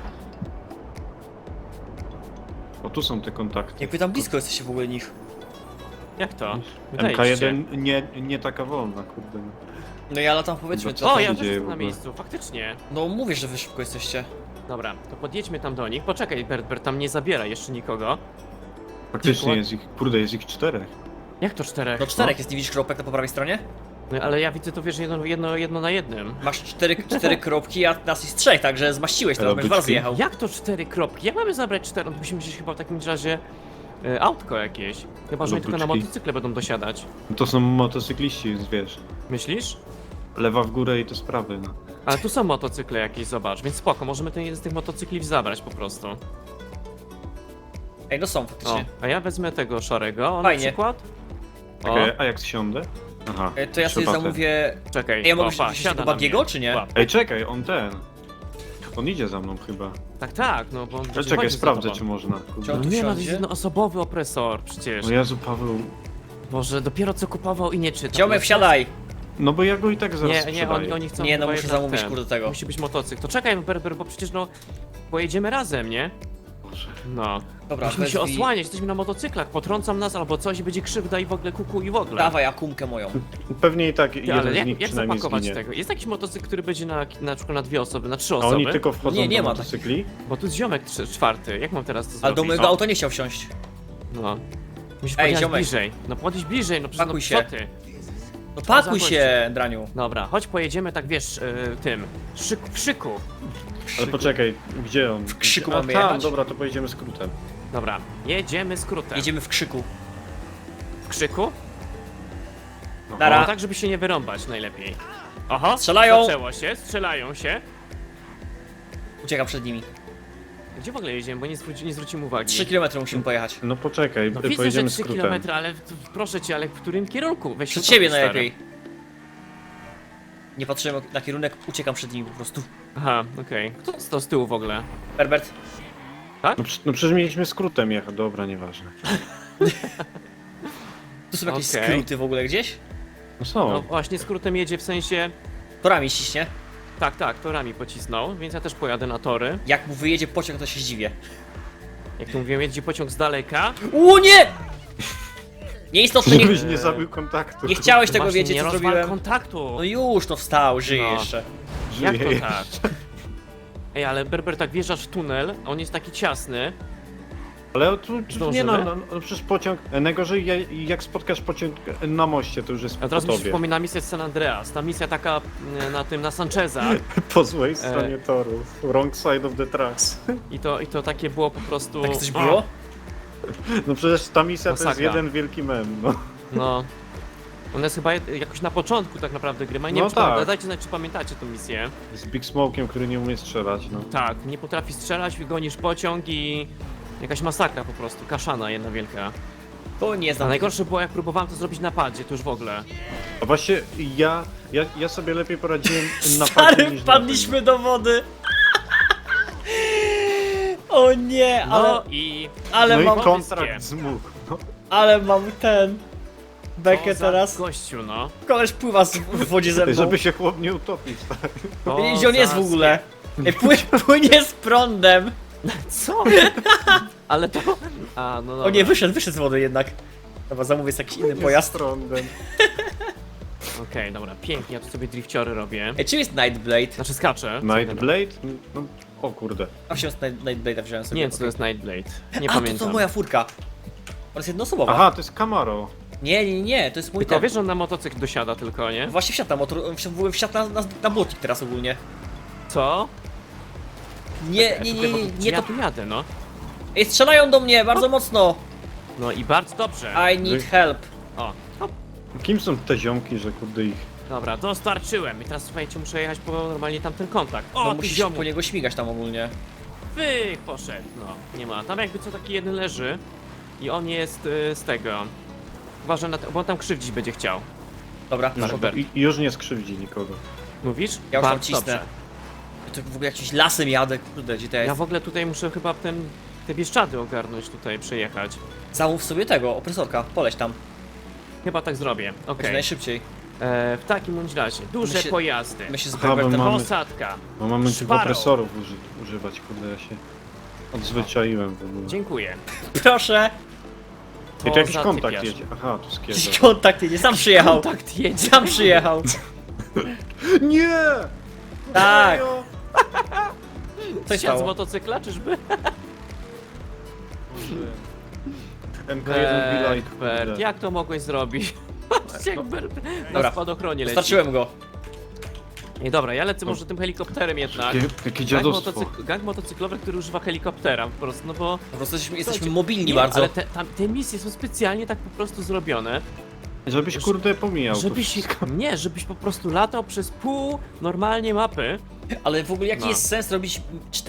[SPEAKER 1] O, tu są te kontakty.
[SPEAKER 2] Jakby tam blisko jesteście w ogóle nich.
[SPEAKER 3] Jak to? Wydaje ci się.
[SPEAKER 1] MK1 nie taka wolna, kurde.
[SPEAKER 2] No ja latam powiedzmy
[SPEAKER 1] Co
[SPEAKER 2] to.
[SPEAKER 3] O,
[SPEAKER 1] się
[SPEAKER 3] ja też
[SPEAKER 1] dzieje
[SPEAKER 3] jestem
[SPEAKER 1] w
[SPEAKER 3] na
[SPEAKER 1] ogóle?
[SPEAKER 3] miejscu, faktycznie.
[SPEAKER 2] No mówię, że wy szybko jesteście.
[SPEAKER 3] Dobra, to podjedźmy tam do nich. Poczekaj, Bert, tam nie zabiera jeszcze nikogo.
[SPEAKER 1] Faktycznie jest ich, kurde, jest ich 4.
[SPEAKER 3] Jak to 4?
[SPEAKER 2] No czterech jest, nie widzisz kropek na po prawej stronie?
[SPEAKER 3] No, ale ja widzę to, wiesz, jedno na jednym.
[SPEAKER 2] Masz cztery kropki, a nas jest 3, także zmaściłeś to,
[SPEAKER 1] Ale
[SPEAKER 2] będziesz dwa razy
[SPEAKER 1] byczki.
[SPEAKER 2] jechał.
[SPEAKER 3] Jak to 4 kropki? Jak mamy zabrać 4? No to musimy wziąć chyba w takim razie autko jakieś. Chyba, że oni tylko na
[SPEAKER 1] Lubyczki.
[SPEAKER 3] motocykle będą dosiadać.
[SPEAKER 1] To są motocykliści, wiesz.
[SPEAKER 3] Myślisz?
[SPEAKER 1] Lewa w górę i to sprawy, no.
[SPEAKER 3] Ale tu są motocykle jakieś, zobacz, więc spoko, możemy ten jeden z tych motocykli zabrać po prostu.
[SPEAKER 2] Ej, no są
[SPEAKER 3] O,
[SPEAKER 2] faktycznie.
[SPEAKER 3] a ja wezmę tego szarego
[SPEAKER 2] Fajnie.
[SPEAKER 3] na przykład. O,
[SPEAKER 1] Czekaj, a jak zsiądę? Aha,
[SPEAKER 2] To ja sobie
[SPEAKER 1] trzeba
[SPEAKER 2] zamówię...
[SPEAKER 3] czekaj.
[SPEAKER 2] Ej, ja mogę
[SPEAKER 3] o, pa,
[SPEAKER 2] wziąć
[SPEAKER 3] siada
[SPEAKER 2] tego
[SPEAKER 3] na
[SPEAKER 2] Bagiego,
[SPEAKER 3] mnie.
[SPEAKER 2] czy nie?
[SPEAKER 3] Pa.
[SPEAKER 1] Ej, czekaj, on ten. On idzie za mną chyba.
[SPEAKER 3] Tak, no bo on
[SPEAKER 1] Ale
[SPEAKER 3] będzie
[SPEAKER 1] czekaj,
[SPEAKER 3] chodził za
[SPEAKER 1] sprawdzę
[SPEAKER 3] tobą.
[SPEAKER 1] czy można.
[SPEAKER 2] Czy
[SPEAKER 1] Kurde.
[SPEAKER 2] on
[SPEAKER 3] No
[SPEAKER 2] tu
[SPEAKER 3] nie, no to jest
[SPEAKER 2] wsiądzie?
[SPEAKER 3] jednoosobowy opresor przecież.
[SPEAKER 1] O Jezu, Paweł.
[SPEAKER 3] Boże, dopiero co kupował i nie czyta.
[SPEAKER 2] Ziomek, wsiadaj!
[SPEAKER 1] No bo ja go i tak zaraz
[SPEAKER 3] Nie,
[SPEAKER 1] sprzedaję.
[SPEAKER 3] oni chcą
[SPEAKER 2] Nie, no
[SPEAKER 3] chyba
[SPEAKER 2] muszę
[SPEAKER 3] jednak
[SPEAKER 2] zamówić
[SPEAKER 3] ten.
[SPEAKER 2] kurde tego.
[SPEAKER 3] Musi być motocykl. To czekaj, bo przecież no pojedziemy razem, nie?
[SPEAKER 1] Boże.
[SPEAKER 3] No.
[SPEAKER 2] Dobra,
[SPEAKER 3] Musimy się
[SPEAKER 2] wezwij-
[SPEAKER 3] osłaniać, jesteśmy na motocyklach, potrącą nas albo coś i będzie krzywda i w ogóle kuku i w ogóle.
[SPEAKER 2] Dawaj akumkę moją.
[SPEAKER 1] Pewnie i tak
[SPEAKER 3] Ty,
[SPEAKER 1] jeden
[SPEAKER 3] ale
[SPEAKER 1] z
[SPEAKER 3] jak,
[SPEAKER 1] nich
[SPEAKER 3] jak
[SPEAKER 1] przynajmniej
[SPEAKER 3] zapakować
[SPEAKER 1] zginie.
[SPEAKER 3] tego? Jest jakiś motocykl, który będzie na przykład na 2 osoby, na 3
[SPEAKER 1] A
[SPEAKER 3] osoby?
[SPEAKER 1] oni tylko wchodzą
[SPEAKER 2] Nie, nie
[SPEAKER 1] do
[SPEAKER 2] ma
[SPEAKER 1] motocykli?
[SPEAKER 3] Bo tu jest ziomek 4. Jak mam teraz to
[SPEAKER 2] Ale
[SPEAKER 3] zrobić?
[SPEAKER 2] do mojego
[SPEAKER 3] No.
[SPEAKER 2] auta nie chciał wsiąść.
[SPEAKER 3] No. Musisz
[SPEAKER 2] Ej,
[SPEAKER 3] podjechać
[SPEAKER 2] ziomek.
[SPEAKER 3] bliżej. No podejść bliżej, no przecież
[SPEAKER 2] Pakuj
[SPEAKER 3] no,
[SPEAKER 2] się.
[SPEAKER 3] co ty?
[SPEAKER 2] No pakuj
[SPEAKER 3] za
[SPEAKER 2] się, Draniu.
[SPEAKER 3] Dobra, chodź pojedziemy tak wiesz, tym, w szyku.
[SPEAKER 1] Ale poczekaj, gdzie on? W
[SPEAKER 2] krzyku
[SPEAKER 1] A
[SPEAKER 2] mamy
[SPEAKER 1] tam,
[SPEAKER 2] jechać?
[SPEAKER 1] dobra, to pojedziemy skrótem.
[SPEAKER 3] Dobra, jedziemy skrótem.
[SPEAKER 2] Jedziemy w krzyku.
[SPEAKER 3] W krzyku?
[SPEAKER 1] No,
[SPEAKER 2] Nara.
[SPEAKER 3] No, tak, żeby się nie wyrąbać najlepiej. Oho,
[SPEAKER 2] Strzelają.
[SPEAKER 3] zaczęło się, strzelają się.
[SPEAKER 2] Uciekam przed nimi.
[SPEAKER 3] Gdzie w ogóle jedziemy, bo nie zwrócimy uwagi.
[SPEAKER 2] 3 km musimy pojechać.
[SPEAKER 1] No poczekaj,
[SPEAKER 3] No widzę, że
[SPEAKER 1] pojedziemy
[SPEAKER 3] 3
[SPEAKER 1] skrótem.
[SPEAKER 3] km, ale proszę cię, ale w którym kierunku? Weź
[SPEAKER 2] Przed
[SPEAKER 3] się
[SPEAKER 2] siebie
[SPEAKER 3] cofnij,
[SPEAKER 2] najlepiej. Nie patrzyłem na kierunek, uciekam przed nimi po prostu.
[SPEAKER 3] Aha, okej. Kto to z tyłu w ogóle?
[SPEAKER 2] Herbert,
[SPEAKER 1] No przecież mieliśmy skrótem jechać, dobra, nieważne.
[SPEAKER 2] tu są jakieś
[SPEAKER 3] Okej.
[SPEAKER 2] skróty w ogóle gdzieś?
[SPEAKER 1] No są.
[SPEAKER 3] No właśnie, skrótem jedzie w sensie...
[SPEAKER 2] Torami ściśnie.
[SPEAKER 3] Tak, torami pocisnął, więc ja też pojadę na tory.
[SPEAKER 2] Jak mu wyjedzie pociąg, to się zdziwię.
[SPEAKER 3] Jak tu mówiłem, jedzie pociąg z daleka.
[SPEAKER 2] Nie! Nieistotne,
[SPEAKER 1] Żebyś nie zabił kontaktu.
[SPEAKER 2] nie chciałeś tego
[SPEAKER 3] Właśnie,
[SPEAKER 2] wiedzieć,
[SPEAKER 3] nie
[SPEAKER 2] co
[SPEAKER 3] rozwal
[SPEAKER 2] zrobiłem.
[SPEAKER 3] kontaktu!
[SPEAKER 2] No już, to wstał, żyje
[SPEAKER 3] No.
[SPEAKER 2] jeszcze.
[SPEAKER 3] Jak to
[SPEAKER 1] Żyje.
[SPEAKER 3] tak? Ej, ale Berber, tak wjeżdżasz w tunel, a on jest taki ciasny.
[SPEAKER 1] Ale tu
[SPEAKER 3] Zdążymy?
[SPEAKER 1] nie no przecież pociąg, najgorzej jak spotkasz pociąg na moście, to już jest
[SPEAKER 3] A teraz
[SPEAKER 1] po
[SPEAKER 3] mi się
[SPEAKER 1] tobie.
[SPEAKER 3] przypomina misja z San Andreas. Ta misja taka na Sancheza.
[SPEAKER 1] Po złej stronie toru. Wrong side of the tracks.
[SPEAKER 3] I to takie było po prostu...
[SPEAKER 2] Tak coś było?
[SPEAKER 1] No przecież ta misja to jest
[SPEAKER 3] Masakra.
[SPEAKER 1] jeden wielki mem, no.
[SPEAKER 3] No. Ona jest chyba jakoś na początku tak naprawdę gry. Nie
[SPEAKER 1] No
[SPEAKER 3] wiem, czy
[SPEAKER 1] tak.
[SPEAKER 3] dajcie znać, czy pamiętacie tę misję.
[SPEAKER 1] Z Big Smoke'iem, który nie umie strzelać, no.
[SPEAKER 3] Tak, nie potrafi strzelać, gonisz pociąg i... Jakaś masakra po prostu, kaszana jedna wielka.
[SPEAKER 2] To nie
[SPEAKER 3] A
[SPEAKER 2] znam.
[SPEAKER 3] najgorsze było, jak próbowałem to zrobić na padzie, to już w ogóle.
[SPEAKER 1] A właśnie ja sobie lepiej poradziłem na padzie
[SPEAKER 2] Stary,
[SPEAKER 1] niż
[SPEAKER 2] wpadliśmy do wody. O nie,
[SPEAKER 3] No i...
[SPEAKER 2] ale
[SPEAKER 1] No
[SPEAKER 2] mam,
[SPEAKER 1] i kontrakt zmógł. No.
[SPEAKER 2] ale mam ten... Bekę
[SPEAKER 3] Co za
[SPEAKER 2] teraz.
[SPEAKER 3] gościu, no.
[SPEAKER 2] Koleś pływa w wodzie ze mną.
[SPEAKER 1] Żeby się chłop nie utopił, stary.
[SPEAKER 2] I gdzie on jest w ogóle? Ej, płynie z prądem.
[SPEAKER 3] Co? Ale to... A, no dobra.
[SPEAKER 2] O nie, wyszedł z wody jednak. Dobra, zamówię sobie jakiś inny pojazd.
[SPEAKER 1] Z trądem.
[SPEAKER 3] Okej, dobra, pięknie, ja tu sobie drifciory robię.
[SPEAKER 2] Ej, czym jest Nightblade?
[SPEAKER 3] Znaczy skaczę.
[SPEAKER 1] Nightblade? No, o kurde.
[SPEAKER 2] A wziąłem Nightblade'a, wziąłem sobie.
[SPEAKER 3] Nie wiem, co to
[SPEAKER 2] okej.
[SPEAKER 3] jest Nightblade. Nie
[SPEAKER 2] A,
[SPEAKER 3] pamiętam.
[SPEAKER 2] to moja furka. jest jednoosobowa.
[SPEAKER 1] Aha, to jest Camaro.
[SPEAKER 2] Nie, to jest mój
[SPEAKER 3] Tylko
[SPEAKER 2] ten.
[SPEAKER 3] wiesz, że on na motocykl dosiada tylko, nie?
[SPEAKER 2] Właśnie wsiadł na motor, wsiadł na błotnik teraz ogólnie.
[SPEAKER 3] Co?
[SPEAKER 2] Nie,
[SPEAKER 3] Ja
[SPEAKER 2] to...
[SPEAKER 3] tu jadę, no.
[SPEAKER 2] Ej, strzelają do mnie bardzo mocno.
[SPEAKER 3] No i bardzo dobrze.
[SPEAKER 2] I need help.
[SPEAKER 3] O, hop.
[SPEAKER 1] Kim są te ziomki, że kurde ich...
[SPEAKER 3] Dobra, dostarczyłem. I teraz słuchajcie, muszę jechać po normalnie tamten kontakt.
[SPEAKER 2] No
[SPEAKER 3] O, ty
[SPEAKER 2] musisz
[SPEAKER 3] ziomu.
[SPEAKER 2] po niego śmigać tam ogólnie.
[SPEAKER 3] Wych, poszedł. No, nie ma. Tam jakby co taki jeden leży. I on jest z tego. Uważaj na to, bo on tam krzywdzić będzie chciał.
[SPEAKER 2] Dobra,
[SPEAKER 3] Nasz
[SPEAKER 2] super.
[SPEAKER 3] Bert.
[SPEAKER 1] I już nie skrzywdzi nikogo.
[SPEAKER 3] Mówisz?
[SPEAKER 2] Ja już tam
[SPEAKER 3] Bardzo
[SPEAKER 2] cisnę.
[SPEAKER 3] dobrze.
[SPEAKER 2] To w ogóle jakimś lasem jadę, kurde, gdzie to
[SPEAKER 3] Ja
[SPEAKER 2] jest?
[SPEAKER 3] w ogóle tutaj muszę chyba te Bieszczady ogarnąć tutaj, przejechać.
[SPEAKER 2] Zamów sobie tego, opresorka, poleć tam.
[SPEAKER 3] Chyba tak zrobię.
[SPEAKER 2] Będzie
[SPEAKER 3] Okej.
[SPEAKER 2] najszybciej.
[SPEAKER 3] W takim bądź razie. Duże
[SPEAKER 2] My się-
[SPEAKER 3] pojazdy.
[SPEAKER 2] My się z
[SPEAKER 1] Aha, bo
[SPEAKER 2] Berbertem...
[SPEAKER 1] mamy-
[SPEAKER 3] Posadka.
[SPEAKER 1] No mamy tych
[SPEAKER 3] Szparą.
[SPEAKER 1] opresorów używać, kurde, ja się odzwyczaiłem w ogóle.
[SPEAKER 3] Dziękuję.
[SPEAKER 2] Proszę!
[SPEAKER 1] I to jakiś
[SPEAKER 3] za
[SPEAKER 1] kontakt
[SPEAKER 3] typiarz.
[SPEAKER 1] jedzie. Aha, to
[SPEAKER 2] Jakiś
[SPEAKER 1] skierzę.
[SPEAKER 2] kontakt jedzie, sam przyjechał.
[SPEAKER 3] Kontakt jedzie.
[SPEAKER 2] Sam przyjechał.
[SPEAKER 1] Nie!
[SPEAKER 2] Tak.
[SPEAKER 1] Serio?
[SPEAKER 2] Coś
[SPEAKER 3] Siadł z
[SPEAKER 2] stało.
[SPEAKER 3] motocykla, czyżby?
[SPEAKER 1] MK1 be like,
[SPEAKER 3] Bert,
[SPEAKER 1] kurde.
[SPEAKER 3] jak to mogłeś zrobić? Patrzcie, jak Bert na
[SPEAKER 2] Dobra.
[SPEAKER 3] spadochronie leci.
[SPEAKER 2] Dostarczyłem go.
[SPEAKER 3] Nie, dobra, ja lecę może tym helikopterem jednak.
[SPEAKER 1] Jakie
[SPEAKER 3] Gang,
[SPEAKER 1] dziadostwo.
[SPEAKER 3] gang motocyklowy, który używa helikoptera po prostu, no bo...
[SPEAKER 2] Po prostu jesteśmy
[SPEAKER 3] Słuchajcie,
[SPEAKER 2] mobilni
[SPEAKER 3] nie,
[SPEAKER 2] bardzo.
[SPEAKER 3] ale te misje są specjalnie tak po prostu zrobione,
[SPEAKER 1] Żebyś kurde pomijał to
[SPEAKER 3] żebyś...
[SPEAKER 1] wszystko.
[SPEAKER 3] Nie, żebyś po prostu latał przez pół normalnie mapy.
[SPEAKER 2] Ale w ogóle jaki
[SPEAKER 3] No.
[SPEAKER 2] jest sens robić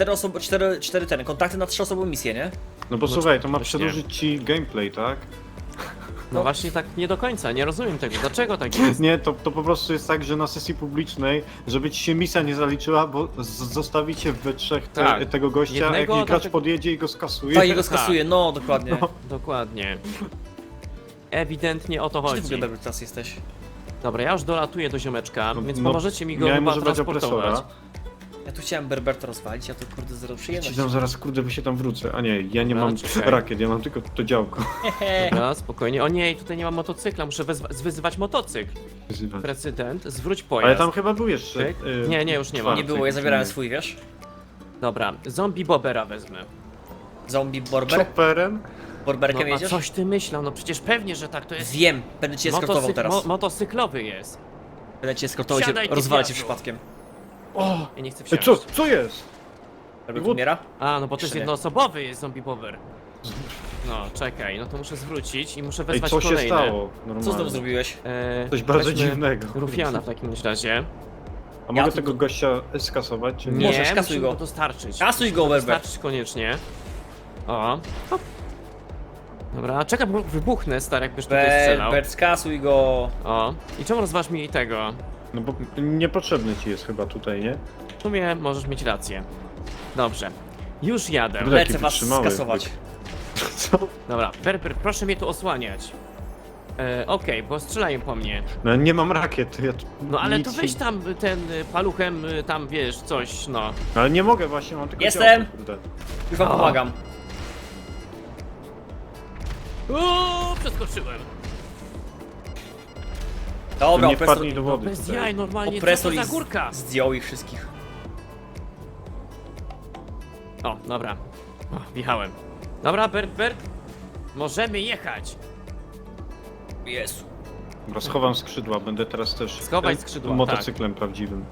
[SPEAKER 2] 4 ten, kontakty na 3-osobową misję, nie?
[SPEAKER 1] No bo słuchaj, to ma
[SPEAKER 3] właśnie.
[SPEAKER 1] przedłużyć ci gameplay, tak?
[SPEAKER 3] No właśnie tak nie do końca, nie rozumiem tego. Dlaczego tak jest?
[SPEAKER 1] Nie, to po prostu jest tak, że na sesji publicznej, żeby ci się misja nie zaliczyła, bo zostawicie we trzech
[SPEAKER 3] Tak.
[SPEAKER 1] tego gościa,
[SPEAKER 3] Jednego,
[SPEAKER 1] jak jakiś gracz
[SPEAKER 3] dlatego-
[SPEAKER 1] podjedzie i go skasuje.
[SPEAKER 2] Tak, jego skasuje, no dokładnie.
[SPEAKER 3] Dokładnie. Ewidentnie o to
[SPEAKER 2] Gdzie ty w
[SPEAKER 3] chodzi.
[SPEAKER 2] ogóle Berber teraz jesteś?
[SPEAKER 3] Dobra, ja już dolatuję do ziomeczka,
[SPEAKER 1] No,
[SPEAKER 3] więc
[SPEAKER 1] no,
[SPEAKER 3] pomożecie mi go
[SPEAKER 1] Miałem
[SPEAKER 3] chyba
[SPEAKER 1] używać
[SPEAKER 3] transportować.
[SPEAKER 1] opresora.
[SPEAKER 2] Ja tu chciałem Berberta rozwalić, a to kurde zero
[SPEAKER 1] Ci
[SPEAKER 2] przyjemności.
[SPEAKER 1] tam zaraz, kurde, by się tam wrócę. A nie, ja nie
[SPEAKER 3] No,
[SPEAKER 1] mam
[SPEAKER 3] czekaj.
[SPEAKER 1] rakiet, ja mam tylko to działko.
[SPEAKER 3] Dobra, spokojnie. O nie, tutaj nie ma motocykla, muszę wyzywać motocykl.
[SPEAKER 1] Wyzywać.
[SPEAKER 3] Prezydent, zwróć pojazd.
[SPEAKER 1] Ale tam chyba był jeszcze...
[SPEAKER 3] Tyk. Nie, już nie ma.
[SPEAKER 2] Nie było, ja zabierałem swój, wiesz?
[SPEAKER 3] Dobra, zombie bobera wezmę.
[SPEAKER 2] Zombie Borber?
[SPEAKER 1] Chopperem?
[SPEAKER 2] Borberkiem
[SPEAKER 3] No a
[SPEAKER 2] jedziesz?
[SPEAKER 3] coś ty myślał, no przecież pewnie, że tak to jest.
[SPEAKER 2] Wiem, będę cię eskortował teraz.
[SPEAKER 3] Motocyklowy jest.
[SPEAKER 2] Będę cię eskortował,
[SPEAKER 3] Wsiadaj,
[SPEAKER 2] cię rozwalę cię
[SPEAKER 3] typiarzu.
[SPEAKER 2] przypadkiem.
[SPEAKER 1] O!
[SPEAKER 3] Ja nie chcę
[SPEAKER 1] Ej,
[SPEAKER 3] wsiąść.
[SPEAKER 1] co jest?
[SPEAKER 2] Berber umiera?
[SPEAKER 3] A, no bo to jest
[SPEAKER 2] Jeszcze nie.
[SPEAKER 3] jednoosobowy jest zombie bober. No, czekaj, no to muszę zwrócić i muszę
[SPEAKER 1] Ej,
[SPEAKER 3] wezwać
[SPEAKER 1] co się
[SPEAKER 3] kolejne.
[SPEAKER 1] stało? Normalnie.
[SPEAKER 2] Co znowu zrobiłeś?
[SPEAKER 1] Coś bardzo
[SPEAKER 3] weźmy
[SPEAKER 1] dziwnego.
[SPEAKER 3] Rufiana w takim razie.
[SPEAKER 1] A
[SPEAKER 2] Ja
[SPEAKER 1] mogę
[SPEAKER 2] tu-
[SPEAKER 1] tego gościa skasować, czy nie?
[SPEAKER 3] Nie,
[SPEAKER 2] Możesz, kasuj
[SPEAKER 3] musimy
[SPEAKER 2] go.
[SPEAKER 3] go dostarczyć.
[SPEAKER 2] Kasuj go, Berber.
[SPEAKER 3] Dostarczyć koniecznie. O. Hop. Dobra, czekaj, bo wybuchnę, stary, jakbyś tutaj strzelał.
[SPEAKER 2] Berbert, skasuj go.
[SPEAKER 3] O. I czemu rozważ mi tego?
[SPEAKER 1] No bo niepotrzebny ci jest chyba tutaj, nie?
[SPEAKER 3] W sumie możesz mieć rację. Dobrze. Już jadę.
[SPEAKER 1] Kurde. Taki
[SPEAKER 2] Lecę was
[SPEAKER 1] wytrzymały
[SPEAKER 2] skasować.
[SPEAKER 1] Co?
[SPEAKER 3] Dobra, Berber, proszę mnie tu osłaniać. Okej, bo strzelają po mnie.
[SPEAKER 1] No nie mam rakiet, ja tu
[SPEAKER 3] No ale
[SPEAKER 1] nic
[SPEAKER 3] to weź tam ten paluchem, tam wiesz, coś, no.
[SPEAKER 1] Ale nie mogę właśnie, mam tylko
[SPEAKER 2] Jestem!
[SPEAKER 1] działko, kurde.
[SPEAKER 2] Już wam
[SPEAKER 3] O.
[SPEAKER 2] pomagam.
[SPEAKER 3] Uuu, przeskoczyłem.
[SPEAKER 2] Dobra,
[SPEAKER 1] nie
[SPEAKER 2] opresor,
[SPEAKER 1] wpadnij do wody
[SPEAKER 3] Bez
[SPEAKER 1] tutaj.
[SPEAKER 3] jaj, normalnie, co
[SPEAKER 2] opresor
[SPEAKER 3] to za
[SPEAKER 2] ich
[SPEAKER 3] górka?
[SPEAKER 2] zdjął ich wszystkich.
[SPEAKER 3] O, dobra. O, wjechałem. Dobra, Bert, możemy jechać.
[SPEAKER 2] Jezu.
[SPEAKER 1] Dobra, schowam skrzydła, będę teraz też
[SPEAKER 3] Schowaj skrzydła,
[SPEAKER 1] motocyklem prawdziwym.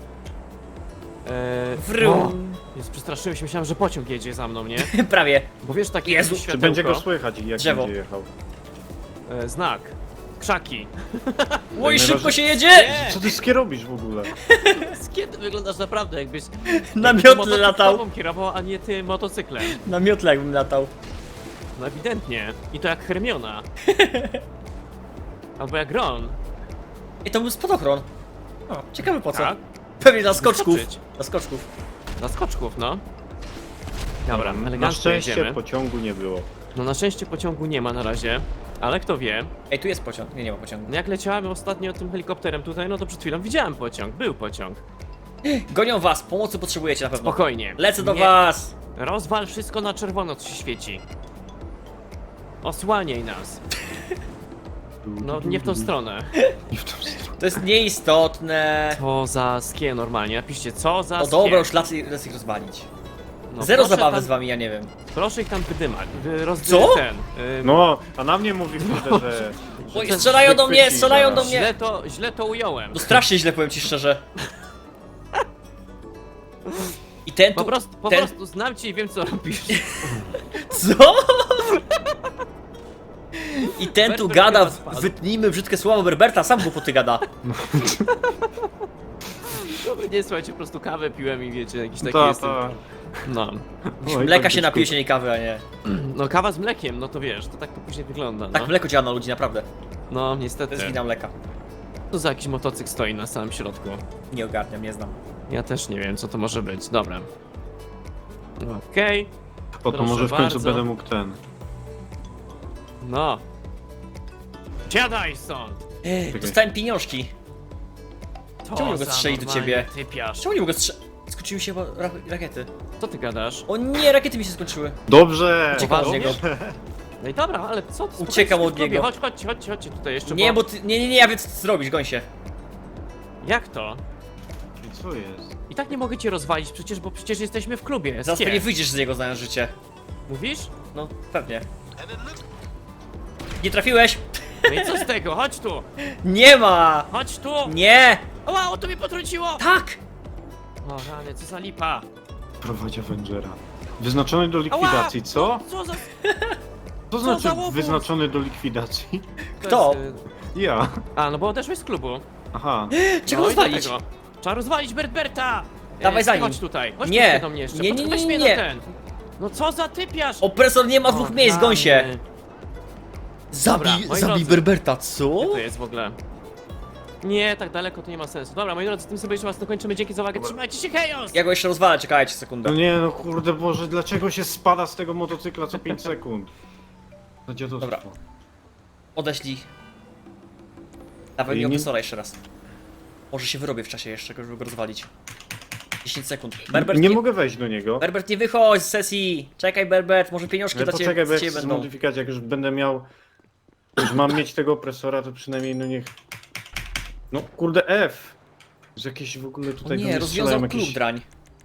[SPEAKER 2] Wrum.
[SPEAKER 3] O, Jezu, przestraszyłem się, myślałem, że pociąg jedzie za mną, nie?
[SPEAKER 2] Prawie.
[SPEAKER 3] Bo wiesz, taki
[SPEAKER 2] Jezu.
[SPEAKER 3] światełko,
[SPEAKER 1] Czy będzie go słychać jak
[SPEAKER 2] Drzewo.
[SPEAKER 1] będzie jechał?
[SPEAKER 3] Znak. Krzaki.
[SPEAKER 2] Oj, szybko
[SPEAKER 1] najważniejsze-
[SPEAKER 2] się jedzie!
[SPEAKER 3] Nie.
[SPEAKER 1] Co ty skierobisz w ogóle?
[SPEAKER 3] Z kiedy wyglądasz naprawdę, jakbyś
[SPEAKER 2] Na
[SPEAKER 3] jakbyś
[SPEAKER 2] miotle
[SPEAKER 3] motocyklową
[SPEAKER 2] latał.
[SPEAKER 3] kierował, a nie ty motocyklem.
[SPEAKER 2] Na miotle jakbym latał.
[SPEAKER 3] No ewidentnie. I to jak Hermiona. Albo jak Ron.
[SPEAKER 2] I to był spadochron. O, ciekawe po co.
[SPEAKER 3] Tak?
[SPEAKER 2] Pewnie dla skoczków.
[SPEAKER 3] Skoczyć.
[SPEAKER 2] Dla skoczków.
[SPEAKER 3] Dla skoczków, no. Dobra,
[SPEAKER 1] Na
[SPEAKER 3] elegancko
[SPEAKER 1] szczęście
[SPEAKER 3] jedziemy.
[SPEAKER 1] pociągu nie było.
[SPEAKER 3] No na szczęście pociągu nie ma na razie, ale kto wie.
[SPEAKER 2] Ej, tu jest pociąg. Nie, nie ma pociągu.
[SPEAKER 3] No jak leciałem ostatnio tym helikopterem tutaj, no to przed chwilą widziałem pociąg, był pociąg.
[SPEAKER 2] Gonią was, pomocy potrzebujecie na pewno.
[SPEAKER 3] Spokojnie.
[SPEAKER 2] Lecę do
[SPEAKER 3] Nie.
[SPEAKER 2] was.
[SPEAKER 3] Rozwal wszystko na czerwono, co się świeci. Osłaniaj nas. No nie w tą stronę.
[SPEAKER 1] Nie w tą stronę.
[SPEAKER 2] To jest nieistotne.
[SPEAKER 3] Co za skie normalnie, napiszcie co za
[SPEAKER 2] No
[SPEAKER 3] skie.
[SPEAKER 2] dobra, już lecę ich rozwalić.
[SPEAKER 3] No,
[SPEAKER 2] Zero
[SPEAKER 3] proszę
[SPEAKER 2] zabawy
[SPEAKER 3] tam,
[SPEAKER 2] z wami, ja nie wiem.
[SPEAKER 3] Proszę ich tam wydymać.
[SPEAKER 2] Co?
[SPEAKER 1] No, a na mnie mówi kurde, że...
[SPEAKER 2] Oj,
[SPEAKER 1] że
[SPEAKER 2] strzelają do mnie,
[SPEAKER 1] chwyci
[SPEAKER 2] strzelają do
[SPEAKER 1] zaraz.
[SPEAKER 2] mnie!
[SPEAKER 3] Źle to ująłem.
[SPEAKER 2] No strasznie źle, powiem ci szczerze. I ten tu...
[SPEAKER 3] Po
[SPEAKER 2] ten...
[SPEAKER 3] prostu znam cię i wiem co robisz.
[SPEAKER 2] Co? I ten tu
[SPEAKER 3] Berbert
[SPEAKER 2] gada,
[SPEAKER 3] chyba spadł.
[SPEAKER 2] wytnijmy brzydkie słowa Berberta, sam głupoty gada.
[SPEAKER 3] Dobra, nie słuchajcie, po prostu kawę piłem i wiecie, jakiś taki
[SPEAKER 1] Ta,
[SPEAKER 3] jestem.
[SPEAKER 1] ta.
[SPEAKER 3] No.
[SPEAKER 1] Oj,
[SPEAKER 2] Mleka
[SPEAKER 1] tak
[SPEAKER 2] się
[SPEAKER 1] byczku.
[SPEAKER 2] napije, się nie kawy, a nie.
[SPEAKER 3] No kawa z mlekiem, no to wiesz, to tak to później wygląda,
[SPEAKER 2] Tak
[SPEAKER 3] no.
[SPEAKER 2] mleko działa na ludzi, naprawdę.
[SPEAKER 3] No,
[SPEAKER 2] To
[SPEAKER 3] niestety.
[SPEAKER 2] jest wina mleka.
[SPEAKER 3] Co za jakiś motocykl stoi na samym środku?
[SPEAKER 2] Nie ogarniam, nie znam.
[SPEAKER 3] Ja też nie wiem, co to może być. Dobra. Okej.
[SPEAKER 1] O, to
[SPEAKER 3] Proszę
[SPEAKER 1] może w końcu
[SPEAKER 3] bardzo.
[SPEAKER 1] będę mógł ten...
[SPEAKER 3] No. Siadaj stąd!
[SPEAKER 2] Dostałem pieniążki.
[SPEAKER 3] To
[SPEAKER 2] Czemu nie mogę
[SPEAKER 3] za
[SPEAKER 2] strzelić do
[SPEAKER 3] normalnie
[SPEAKER 2] ciebie?
[SPEAKER 3] Typiarz.
[SPEAKER 2] Czemu nie mogę Skończyły się rakiety.
[SPEAKER 3] Co ty gadasz?
[SPEAKER 2] O nie, rakiety mi się skończyły.
[SPEAKER 1] Dobrze!
[SPEAKER 2] Uciekam od
[SPEAKER 3] Poważnie?
[SPEAKER 2] niego.
[SPEAKER 3] No i dobra, ale co ty?
[SPEAKER 2] Uciekam od
[SPEAKER 3] spokojnie,
[SPEAKER 2] niego.
[SPEAKER 3] Chodźcie tutaj jeszcze.
[SPEAKER 2] Nie, bo ty... Nie, ja wiem co ty zrobisz, goń się.
[SPEAKER 3] Jak to?
[SPEAKER 1] I co jest?
[SPEAKER 3] I tak nie mogę cię rozwalić przecież, bo przecież jesteśmy w klubie.
[SPEAKER 2] Zaraz
[SPEAKER 3] Skie.
[SPEAKER 2] pewnie wyjdziesz z niego, znając życie.
[SPEAKER 3] Mówisz?
[SPEAKER 2] No, pewnie. Nie trafiłeś?
[SPEAKER 3] No i co z tego? Chodź tu!
[SPEAKER 2] Nie ma!
[SPEAKER 3] Chodź tu!
[SPEAKER 2] Nie!
[SPEAKER 3] Oła, o to mnie potrąciło!
[SPEAKER 2] Tak!
[SPEAKER 3] O rany, co za lipa!
[SPEAKER 1] Prowadzi Avengera. Wyznaczony do likwidacji, co?
[SPEAKER 3] Co za...
[SPEAKER 1] Co
[SPEAKER 3] za
[SPEAKER 1] znaczy
[SPEAKER 3] łobuz?
[SPEAKER 1] wyznaczony do likwidacji?
[SPEAKER 2] Kto?
[SPEAKER 3] To jest,
[SPEAKER 1] Ja.
[SPEAKER 3] A, no bo odeszłeś z klubu.
[SPEAKER 1] Aha.
[SPEAKER 2] Czego
[SPEAKER 3] No i
[SPEAKER 2] rozwalić?
[SPEAKER 3] dlatego. Trzeba rozwalić Bertberta!
[SPEAKER 2] Dawaj za nim.
[SPEAKER 3] Chodź tutaj, chodź
[SPEAKER 2] Nie.
[SPEAKER 3] tutaj do mnie jeszcze.
[SPEAKER 2] Nie,
[SPEAKER 3] Poczekaj,
[SPEAKER 2] nie,
[SPEAKER 3] weź
[SPEAKER 2] nie,
[SPEAKER 3] mnie
[SPEAKER 2] nie.
[SPEAKER 3] na ten. No co za typiarz!
[SPEAKER 2] Opresor nie ma dwóch
[SPEAKER 3] O,
[SPEAKER 2] miejsc, goń się!
[SPEAKER 3] rany.
[SPEAKER 2] Zabij,
[SPEAKER 3] Dobra, moi
[SPEAKER 2] zabij
[SPEAKER 3] drodzy.
[SPEAKER 2] Berberta, co?
[SPEAKER 3] Gdzie to jest w ogóle? Nie, tak daleko to nie ma sensu. Dobra, moi drodzy, tym sobie jeszcze raz dokończymy. Dzięki za uwagę. Trzymajcie się, hejos!
[SPEAKER 2] Ja go jeszcze rozwalę, czekajcie sekundę.
[SPEAKER 1] No nie, no kurde Boże, dlaczego się spada z tego motocykla co 5 sekund? To dziadostwo.
[SPEAKER 2] Dobra. Odeślij. Dawaj mi
[SPEAKER 1] Nie-
[SPEAKER 2] opresora jeszcze raz. Może się wyrobię w czasie jeszcze, żeby go rozwalić. 10 sekund. Berbert,
[SPEAKER 1] Nie mogę wejść do niego.
[SPEAKER 2] Berbert, nie wychodź z sesji! Czekaj, Berbert, może pieniążki
[SPEAKER 1] Ale
[SPEAKER 2] dla ciebie,
[SPEAKER 1] poczekaj, bo
[SPEAKER 2] dla
[SPEAKER 1] jak
[SPEAKER 2] ciebie
[SPEAKER 1] chcę
[SPEAKER 2] będą.
[SPEAKER 1] zmodyfikować, jak już będę miał... Już mam mieć tego opresora, to przynajmniej no niech... No kurde F! Że jakieś w ogóle
[SPEAKER 2] O
[SPEAKER 1] tutaj do
[SPEAKER 2] nie,
[SPEAKER 1] mnie
[SPEAKER 2] rozwiązał
[SPEAKER 1] strzelają
[SPEAKER 2] klub
[SPEAKER 1] jakieś...
[SPEAKER 2] drań.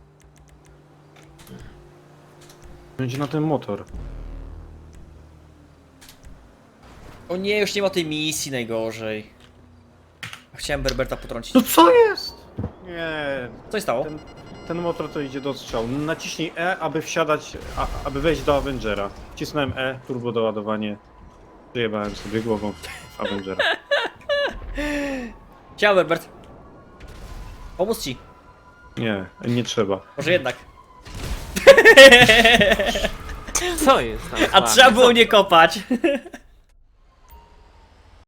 [SPEAKER 1] Będzie na ten motor.
[SPEAKER 2] O nie, już nie ma tej misji najgorzej. Chciałem Berberta potrącić.
[SPEAKER 1] No co jest? Nie,
[SPEAKER 2] Co się stało?
[SPEAKER 1] ten motor to idzie do strzału. Naciśnij E, aby wsiadać, aby wejść do Avengera. Wcisnąłem E, turbo doładowanie. Wyjebałem sobie głową w Avengera.
[SPEAKER 2] Ciao, Berbert. Pomóc ci.
[SPEAKER 1] Nie, nie trzeba.
[SPEAKER 2] Może jednak.
[SPEAKER 3] Co jest tam?
[SPEAKER 2] A trzeba było nie kopać.